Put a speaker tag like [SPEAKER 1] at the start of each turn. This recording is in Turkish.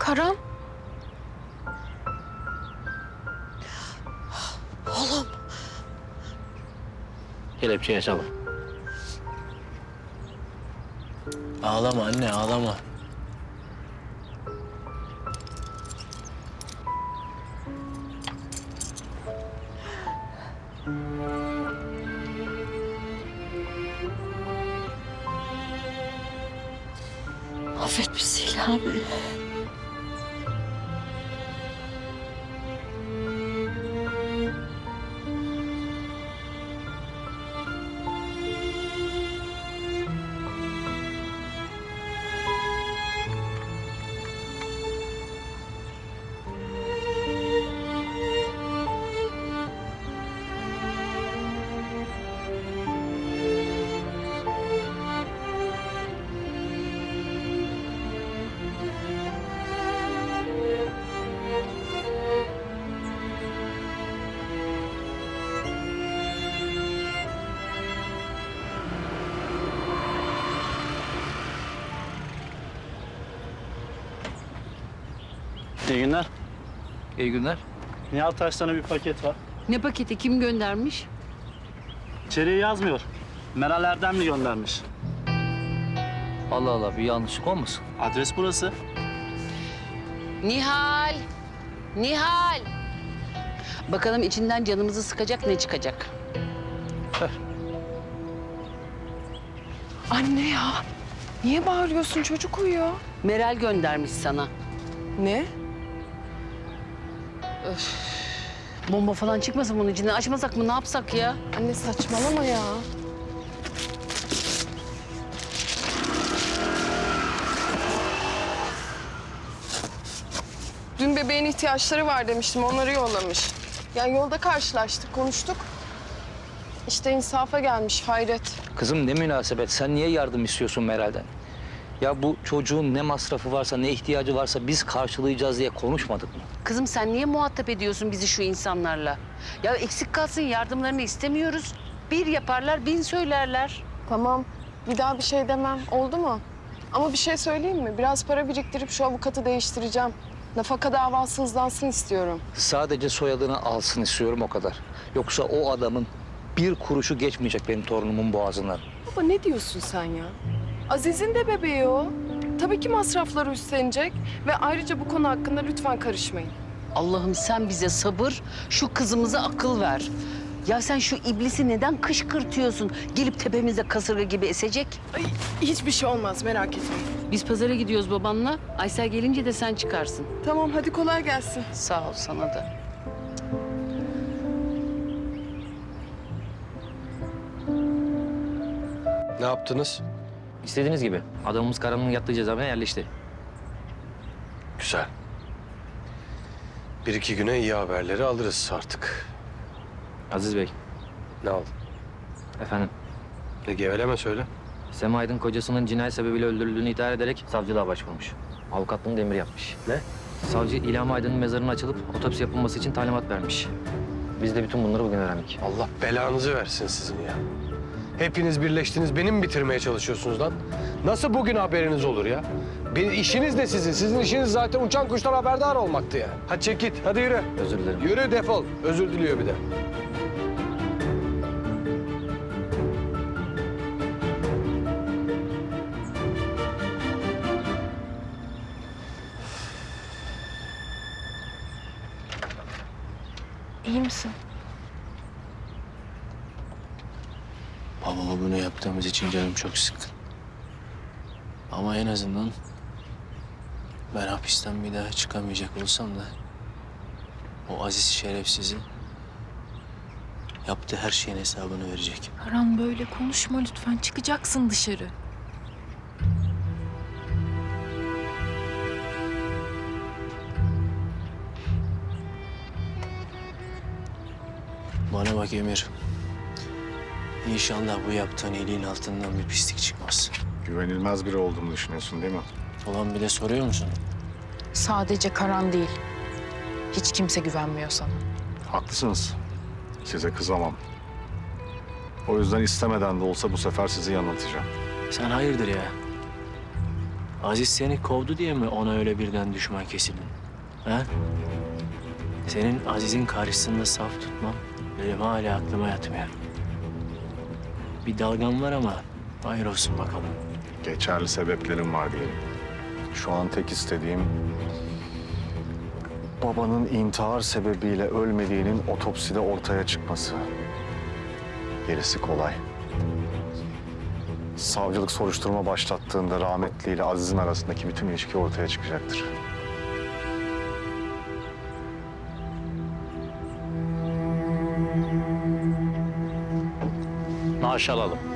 [SPEAKER 1] Karan.
[SPEAKER 2] Oğlum.
[SPEAKER 3] Kelepçeye sabır. Ağlama anne, ağlama.
[SPEAKER 2] Affet bizi İlhami.
[SPEAKER 4] İyi günler.
[SPEAKER 5] İyi günler.
[SPEAKER 4] Nihat Taş'tan bir paket var.
[SPEAKER 6] Ne paketi, kim göndermiş?
[SPEAKER 4] İçeriği yazmıyor. Meral Erdemli göndermiş.
[SPEAKER 5] Allah Allah, bir yanlışlık olmasın?
[SPEAKER 4] Adres burası.
[SPEAKER 6] Nihal! Nihal! Bakalım içinden canımızı sıkacak ne çıkacak?
[SPEAKER 1] Anne ya. Niye bağırıyorsun? Çocuk uyuyor.
[SPEAKER 6] Meral göndermiş sana.
[SPEAKER 1] Ne?
[SPEAKER 6] Bomba falan çıkmasın bunun içinden. Açmasak mı, ne yapsak ya?
[SPEAKER 1] Anne saçmalama ya. Dün bebeğin ihtiyaçları var demiştim. Onları yollamış. Yani yolda karşılaştık, konuştuk. İşte insafa gelmiş hayret.
[SPEAKER 5] Kızım ne münasebet, sen niye yardım istiyorsun Meral'den? Ya bu çocuğun ne masrafı varsa, ne ihtiyacı varsa biz karşılayacağız diye konuşmadık mı?
[SPEAKER 6] Kızım sen niye muhatap ediyorsun bizi şu insanlarla? Ya eksik kalsın, yardımlarını istemiyoruz. Bir yaparlar, bin söylerler.
[SPEAKER 1] Tamam. Bir daha bir şey demem. Oldu mu? Ama bir şey söyleyeyim mi? Biraz para biriktirip şu avukatı değiştireceğim. Nafaka davası hızlansın istiyorum.
[SPEAKER 5] Sadece soyadını alsın istiyorum, o kadar. Yoksa o adamın bir kuruşu geçmeyecek benim torunumun boğazından.
[SPEAKER 1] Baba ne diyorsun sen ya? Aziz'in de bebeği o. Tabii ki masrafları üstlenecek. Ve ayrıca bu konu hakkında lütfen karışmayın.
[SPEAKER 6] Allah'ım sen bize sabır, şu kızımıza akıl ver. Ya sen şu iblisi neden kışkırtıyorsun? Gelip tepemize kasırga gibi esecek.
[SPEAKER 1] Ay, hiçbir şey olmaz merak etmeyin.
[SPEAKER 6] Biz pazara gidiyoruz babanla. Aysel gelince de sen çıkarsın.
[SPEAKER 1] Tamam hadi kolay gelsin.
[SPEAKER 6] Sağ ol sana da.
[SPEAKER 7] Ne yaptınız?
[SPEAKER 5] İstediğiniz gibi. Adamımız Karan'ın yattığı cezaevine yerleşti.
[SPEAKER 7] Güzel. Bir iki güne iyi haberleri alırız artık.
[SPEAKER 5] Aziz Bey,
[SPEAKER 7] Ne oldu?
[SPEAKER 5] efendim.
[SPEAKER 7] Ne geveleme söyle.
[SPEAKER 5] Sema Aydın kocasının cinayet sebebiyle öldürüldüğünü iddia ederek savcılığa başvurmuş. Avukatlığını da emir yapmış.
[SPEAKER 7] Ne?
[SPEAKER 5] Savcı İlham Aydın'ın mezarının açılıp otopsi yapılması için talimat vermiş. Biz de bütün bunları bugün öğrendik.
[SPEAKER 7] Allah belanızı versin sizin ya. Hepiniz birleştiniz, beni mi bitirmeye çalışıyorsunuz lan? Nasıl bugün haberiniz olur ya? Bir işiniz de sizin. Sizin işiniz zaten uçan kuştan haberdar olmaktı ya. Hadi çek git, hadi yürü.
[SPEAKER 5] Özür dilerim.
[SPEAKER 7] Yürü defol. Özür diliyor bir de.
[SPEAKER 1] İyi misin?
[SPEAKER 3] Babama bunu yaptığımız için canım çok sıkkın. Ama en azından ben hapisten bir daha çıkamayacak olsam da o aziz şerefsizi yaptığı her şeyin hesabını verecek.
[SPEAKER 8] Karan böyle konuşma lütfen. Çıkacaksın dışarı.
[SPEAKER 3] Bana bak Emir. İnşallah bu yaptığın iyiliğin altından bir pislik çıkmaz.
[SPEAKER 9] Güvenilmez biri olduğumu düşünüyorsun değil mi?
[SPEAKER 3] Ulan bir de soruyor musun?
[SPEAKER 8] Sadece Karan değil. Hiç kimse güvenmiyor sana.
[SPEAKER 9] Haklısınız. Size kızamam. O yüzden istemeden de olsa bu sefer sizi yanıltacağım.
[SPEAKER 3] Sen hayırdır ya? Aziz seni kovdu diye mi ona öyle birden düşman kesildin? Ha? Senin Aziz'in karşısında saf tutman benim hala aklıma yatmıyor. Bir dalgan var ama hayır olsun bakalım.
[SPEAKER 9] Geçerli sebeplerim var diyelim. Şu an tek istediğim babanın intihar sebebiyle ölmediğinin otopside ortaya çıkması. Gerisi kolay. Savcılık soruşturma başlattığında rahmetli ile Aziz'in arasındaki bütün ilişki ortaya çıkacaktır.
[SPEAKER 5] Naaş alalım.